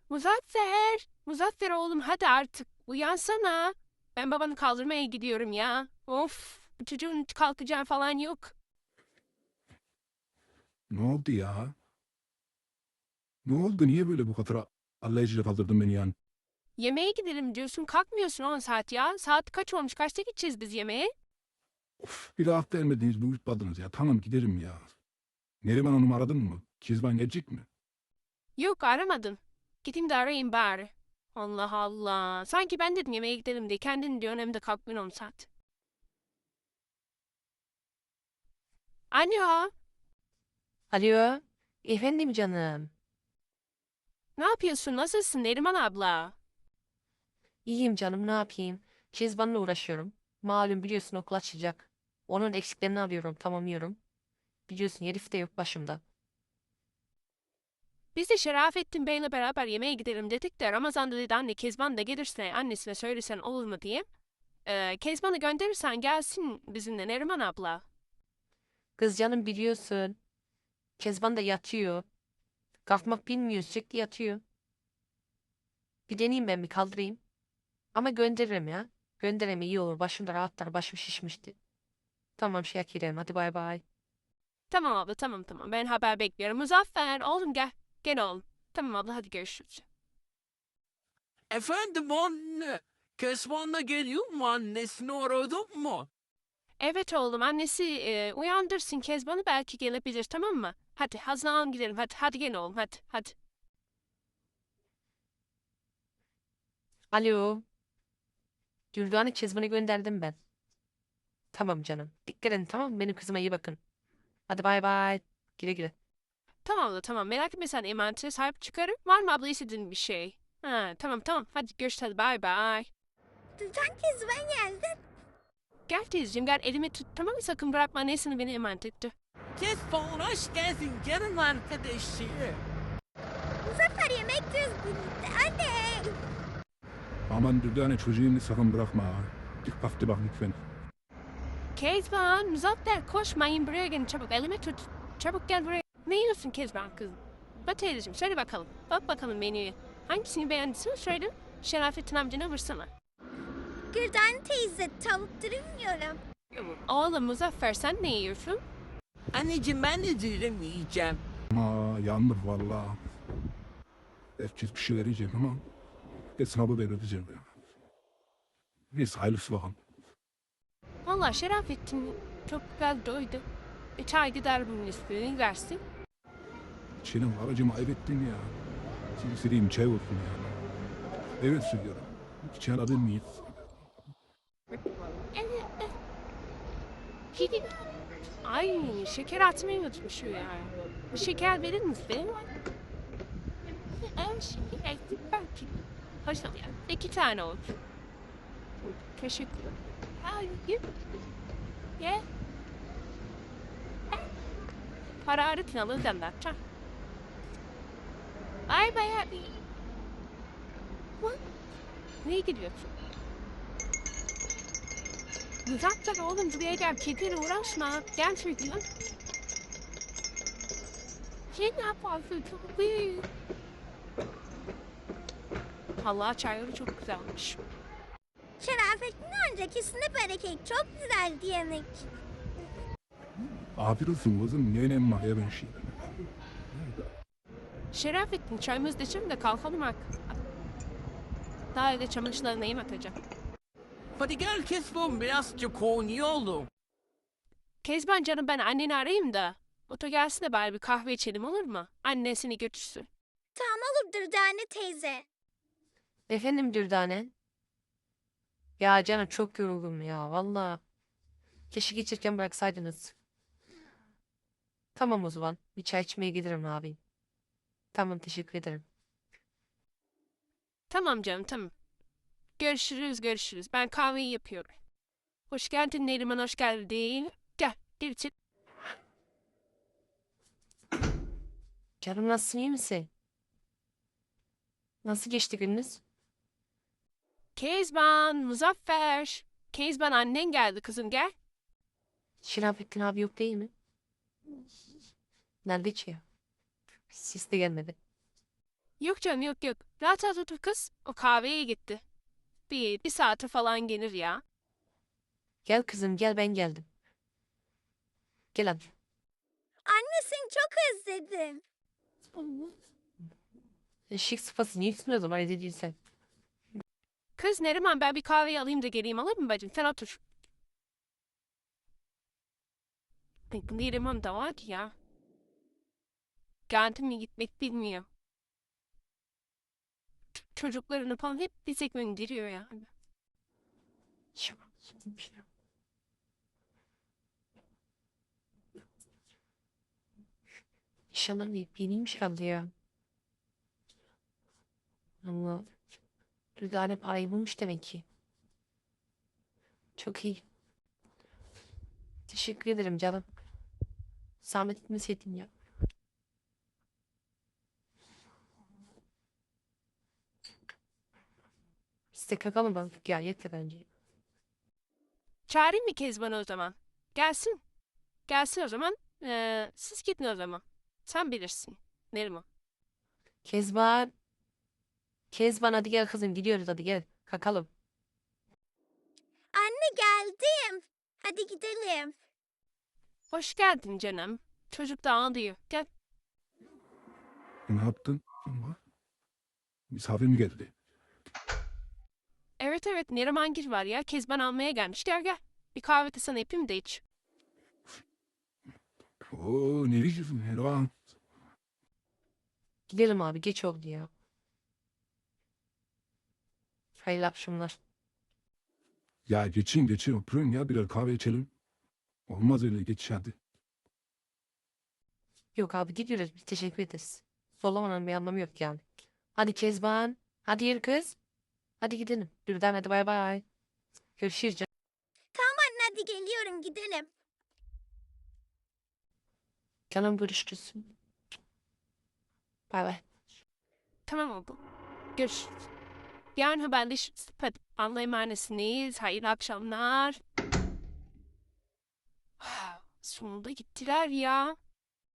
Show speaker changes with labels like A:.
A: Muzaffer! Muzaffer oğlum hadi artık uyansana. Ben babanı kaldırmaya gidiyorum ya. Of, bu çocuğun hiç kalkacağı falan yok.
B: Ne oldu ya? Ne oldu? Niye böyle bu kadar allayıcıyla kaldırdın beni yani?
A: Yemeğe gidelim diyorsun kalkmıyorsun 10 saat ya. Saat kaç olmuş kaçta gideceğiz biz yemeğe?
B: Of, bir hafta gelmediniz, uyutmadınız ya. Tamam giderim ya. Neriman Hanım'ı aradın mı? Kezban gelecek mi?
A: Yok aramadım. Gideyim de arayayım bari. Allah Allah. Sanki ben dedim yemeğe gidelim diye. Kendin diyorsun hem de kalkmıyorsun 10 saat. Alo.
C: Alo, efendim canım.
A: Ne yapıyorsun? Nasılsın Neriman abla?
C: İyiyim canım, ne yapayım? Kezban'la uğraşıyorum. Malum biliyorsun okul açacak. Onun eksiklerini alıyorum, tamamlıyorum. Biliyorsun herif de yok başımda.
A: Biz de Şerafettin Bey'le beraber yemeğe gidelim dedik de Ramazan'da dedi anne Kezban da gelirse annesine söylesen olur mu diye. Kezban'ı gönderirsen gelsin bizimle Neriman abla.
C: Kız canım biliyorsun. Kezban da yatıyor. Kalkmak bilmiyor, sürekli yatıyor. Bir deneyeyim ben bir kaldırayım. Ama gönderirim ya. Gönderirim iyi olur. Başım da rahatlar, başım şişmişti. Tamam Şakirem, hadi bay bay.
A: Tamam abla tamam ben haber bekliyorum. Muzaffer oğlum gel. Gel oğlum. Tamam abla hadi görüşürüz.
D: Efendim anne. Kesman'la geliyor mu annesini aradın mı?
A: Evet oğlum annesi uyandırsın Kezban'ı belki gelebilir tamam mı? Hadi hazırlanalım gidelim hadi gel oğlum hadi.
C: Alo. Güldoğan'ı Kezban'ı gönderdim ben. Tamam canım. Dikkat edin tamam mı? Benim kızıma iyi bakın. Hadi bay bay. Güle güle.
A: Tamam abla tamam merak etme sen emanetine sahip çıkarım. Var mı abla istediğin bir şey? Ha, tamam hadi görüşürüz hadi bay bay.
E: Sen Kezban geldin.
A: Gel teyzeciğim gel elimi tut tamam mı sakın bırakma annesini beni emanet etti.
D: Kesman hoş geldin canım arkadaşı.
E: Muzaffer yemek yiyoruz birlikte. Anne.
B: Aman Dürdane çocuğunu sakın bırakma ha. Dikkatli bak lütfen.
A: Kezban, Muzaffer koşmayın buraya gelin çabuk elimi tut. Çabuk gel buraya. Ne yiyorsun Kezban kızım? Bak teyzeciğim söyle bakalım. Bak bakalım menüye. Hangisini beğendiysen söyle. Şerafettin amcana vursana.
E: Gülden teyze tavuk dürüm yiyorum.
A: Oğlum Muzaffer sen ne yiyorsun?
D: Anneciğim ben de dürüm yiyeceğim.
B: Ama yandık valla. Herkes bir şey verecek ama hesabı ben ödeyeceğim ya. Neyse hayırlısı bakalım.
A: Valla Şerafettin çok güzel doydu. Çay gider bunun üstüne versin.
B: Senin aracımı ayıbettin ya. Silsileyim çay olsun yani. Evet söylüyorum. Çay alabilir miyiz?
A: Ay şeker atmayı unutmuşum ya. Bir şeker verir misin? Şeker belki. Hoş ol ya. 2 tane olur. Teşekkür ederim. Hayır. Ye. Hararetin alır anlatacağım. Ay bayağı iyi. Neye gidiyorsun? Zaten oğlum buraya gel. Kediyle uğraşma. Gel çocuğum. Şey ne yapıyorsun? Çok büyük. Allah çayları çok güzelmiş.
E: Şerafettin amca kesinlikle bereket. Çok güzeldi yemek.
B: Afiyet olsun kızım. Niye önemli mahya ben şey.
A: Şerafettin çayımızı da içelim de kalkalım artık. Daha evde çamaşırlarına yem atacağım.
D: Hadi gel Kesman birazcık oynayalım.
A: Kezban canım ben anneni arayayım da. Oto gelsin de bari bir kahve içelim olur mu? Annesini götürsün.
E: Tamam olur Dürdane teyze.
C: Efendim Dürdane. Ya canım çok yoruldum ya valla. Keşke geçirken bıraksaydınız. Tamam o zaman. Bir çay içmeye giderim abi. Tamam teşekkür ederim.
A: Tamam canım tamam. Görüşürüz. Ben kahveyi yapıyorum. Hoş geldin Neriman hoş geldin. Gel içeri.
C: Canım nasılsın iyi misin? Nasıl geçti gününüz?
A: Kezban, Muzaffer. Kezban annen geldi kızım gel.
C: Şerafettin abi yok değil mi? Nerede içiyor? Sis de gelmedi.
A: Yok canım yok yok. Rahat rahat otur kız. O kahveye gitti. Bir saate falan gelir ya.
C: Gel kızım gel ben geldim. Gel hadi.
E: Anne seni çok özledim.
C: Şık sıfası niye üstüne o zaman evde değilsen?
A: Kız Neriman ben bir kahveyi alayım da geleyim alır mı bacım? Sen otur. Ay, bu Neriman da var ya. Geldi mi gitmek bilmiyor. Çocuklarını falan hep bize gönderiyor ya.
C: İnşallah yeniymiş herhalde ya. Allah. Rüzgar hep parayı bulmuş demek ki. Çok iyi. Teşekkür ederim canım. Zahmet etmeseydin ya. Biz de kakalım balık ya yeter bence.
A: Çağırayım mı Kezban'ı o zaman? Gelsin. Gelsin o zaman. Siz gidin o zaman. Sen bilirsin. Neriman.
C: Kezban. Kezban hadi gel kızım gidiyoruz hadi gel. Kakalım.
E: Anne geldim. Hadi gidelim.
A: Hoş geldin canım. Çocuk da ağlıyor. Gel.
B: Ne yaptın? Ama misafir mi geldi?
A: Evet evet Neriman Gil var ya. Kezban almaya gelmiş. Gel gel. Bir kahve de sana yapayım da iç.
B: Oo nereye gidiyorsun Helva?
C: Gidelim abi geç oldu ya. Hayırlı akşamlar.
B: Ya geçin oturun ya birer kahve içelim. Olmaz öyle geç hadi.
C: Yok abi gidiyoruz biz teşekkür ederiz. Zorlamanın bir anlamı yok yani. Hadi Kezban. Hadi yürü kız. Hadi gidelim. Dürden hadi bay bay. Görüşürüz canım.
E: Tamam anne hadi geliyorum gidelim.
C: Canım görüşürüz. Bay bay.
A: Tamam oldu. Görüşürüz. Yarın haberleşiriz. Hadi Allah'a emanetsiniz. Hayırlı akşamlar. Sonunda gittiler ya.